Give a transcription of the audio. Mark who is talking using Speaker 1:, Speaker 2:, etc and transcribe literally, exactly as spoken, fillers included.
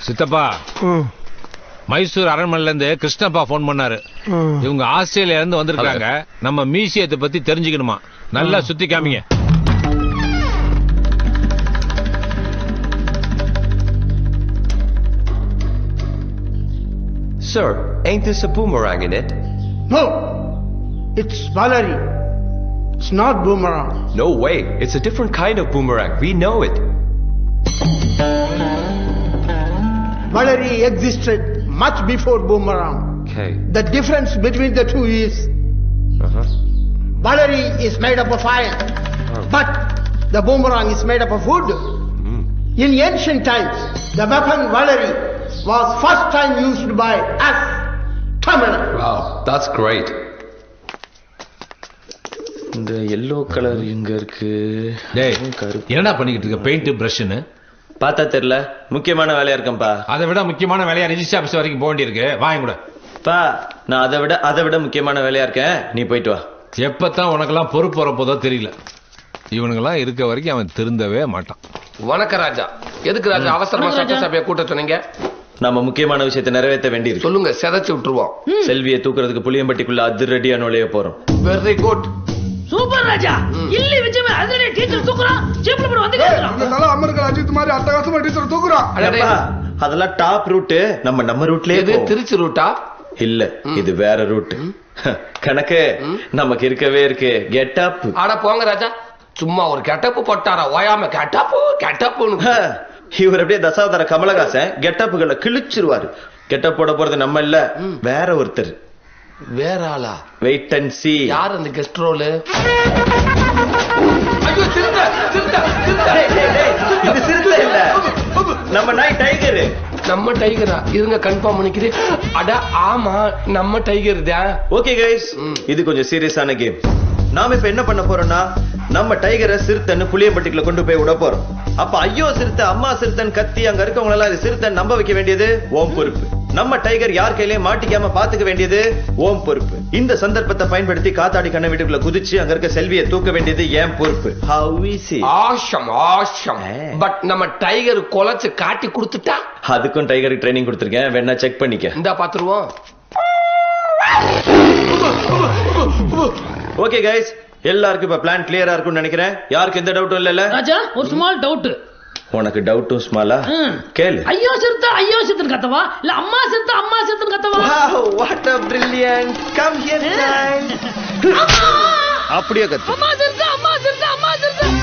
Speaker 1: சித்தப்பா, மைசூர் அரண்மனையில இருந்து கிருஷ்ணப்பா போன் பண்ணாரு. இவங்க ஆஸ்திரேலியா இருந்து வந்திருக்காங்க. நம்ம மியூசியத்தை பத்தி தெரிஞ்சுக்கணுமா. நல்லா சுத்தி காமிங்க.
Speaker 2: Sir, ain't this a boomerang in it?
Speaker 3: No, it's Valerie. It's not boomerang.
Speaker 2: No way, it's a different kind of boomerang. We know it.
Speaker 3: Valerie existed much before boomerang.
Speaker 2: Okay.
Speaker 3: The difference between the two is
Speaker 2: Uh-huh.
Speaker 3: Valerie is made up of iron,
Speaker 2: Oh.
Speaker 3: but the boomerang is made up of wood.
Speaker 2: Mm.
Speaker 3: In ancient times, the weapon Valerie was first time used by us, Tamil.
Speaker 2: Wow, that's great.
Speaker 4: இந்த yellow colour எங்க இருக்கு?
Speaker 1: டேய், என்னடா பண்ணிக்கிட்டு இருக்க? Paint பிரஷ்னு
Speaker 4: பார்த்தா தெரியல. முக்கியமான வேலையா இருக்கேன்ப்பா.
Speaker 1: அதை விட முக்கியமான வேலையா ரிஜிஸ்டர் ஆபீஸ் வரைக்கும் போக வேண்டியிருக்கு. வாங்க கூட.
Speaker 4: பா, நான் அதை விட அதை விட முக்கியமான வேலையா இருக்கேன். நீ போயிட்டு வா.
Speaker 1: எப்பத்தான் உனக்கெல்லாம் பொறுப்பு வரப்போதோ தெரியல. இவனுங்கெல்லாம் இருக்க வரைக்கும் அவன் திருந்தவே மாட்டான்.
Speaker 5: வணக்க ராஜா. எதுக்கு ராஜா அவசரமா சட்டசபையை கூட்ட சொன்னீங்க?
Speaker 4: நம்ம முக்கியமான விஷயத்தை நிறைவேற்ற வேண்டியிருக்கு.
Speaker 5: சொல்லுங்க, செதச்சு விட்டுருவோம்.
Speaker 4: செல்வியை தூக்குறதுக்கு புளியம்பட்டிக்குள்ள அதிரடியா நுழைய போறோம்.
Speaker 5: Very good.
Speaker 6: சூப்பர் ராஜா. இல்லி விஜயமே அதிரடி டீச்சர் தூக்குறான். ஜீப்ல போய் வந்து கேக்குறான்.
Speaker 7: இந்த தல அமெரிக்கா அஜித் மாதிரி அட்டகாசமா டீச்சர் தூக்குறான்.
Speaker 4: அப்பா, அதெல்லாம் டாப் ரூட். நம்ம நம்ம ரூட்லயே
Speaker 5: இது திருச்சி ரூட்டா?
Speaker 4: இல்ல, இது வேற ரூட். கணக்கு நமக்கு இருக்கவே இருக்கு. Get up.
Speaker 5: ஆட போங்க ராஜா. சும்மா ஒரு கெட்டப்பு போட்டாரா? ஓயாம கெட்டப்பு கெட்டப்புன்னு.
Speaker 4: இவர் அப்படியே தசாவதார கமலஹாசன் கெட்டப்புகளை கிழிச்சிருவாரு. கெட்டப் போட போறது நம்ம இல்ல, வேற ஒருத்தர்.
Speaker 5: வேற ஆளா?
Speaker 4: Wait and see.
Speaker 5: யார் அந்த கெஸ்ட் ரோல்? ஐயோ, சிறுத்தை சிறுத்தை சிறுத்தை.
Speaker 4: டேய் டேய் டேய், இது சிறுத்தை இல்ல, நம்ம நாய் டைகர்.
Speaker 5: நம்ம டைகரா? இருங்க கன்ஃபார்ம் பண்ணிக்கிறேன். அட ஆமா, நம்ம டைகர் தான்.
Speaker 4: ஓகே கைஸ், இது கொஞ்சம் சீரியஸான கேம். நாம இப்ப என்ன பண்ண போறோம்னா, நம்ம டைகரை சிறுத்தைன்னு புளியம்பட்டிக்குள்ள கொண்டு போய் விட போறோம். அப்ப ஐயோ சிறுத்தை, அம்மா சிறுத்தைன்னு கத்தி அங்க இருக்கவங்க எல்லாம் இது சிறுத்தை நம்ப வைக்க வேண்டியது ஓம் பொறுப்பு. நம்ம டைகர் யார் கையிலயும் மாட்டிக்காம பாத்துக்க வேண்டியது ஓம் பொறுப்பு. இந்த சந்தர்ப்பத்தை பயன்படுத்தி காத்தாடி கண்ண வீட்டுக்குள்ள குதிச்சு அங்க இருக்க செல்வியை தூக்க வேண்டியது ஏன் பொறுப்பு. How easy.
Speaker 5: Awesome awesome. But நம்ம டைகர் கொலைச்சு காட்டி கொடுத்துட்டா?
Speaker 4: அதுக்கும் டைகருக்கு ட்ரைனிங் கொடுத்திருக்கேன், வேணா செக் பண்ணிக்க.
Speaker 5: இந்தா பாத்துருவோம்.
Speaker 4: ஓகே கைஸ், எல்லாருக்கும் இப்ப பிளான் கிளியரா இருக்கும்னு நினைக்கிறேன். யாருக்கு எந்த டவுட்டும் இல்லல?
Speaker 6: ராஜா, ஒரு ஸ்மால் டவுட்.
Speaker 4: உனக்கு டவுட்டும் ஸ்மாலா? கேளு.
Speaker 6: ஐயோ சிறுத்தை ஐயோ சிறுத்தைன்னு கத்தவா, இல்ல அம்மா சிறுத்தை அம்மா சிறுத்தைன்னு கத்தவா?
Speaker 4: Wow, what a brilliant. Come here, child. அப்படியே கத்து.
Speaker 6: அம்மா சிறுத்தை அம்மா சிறுத்தை அம்மா சிறுத்தை.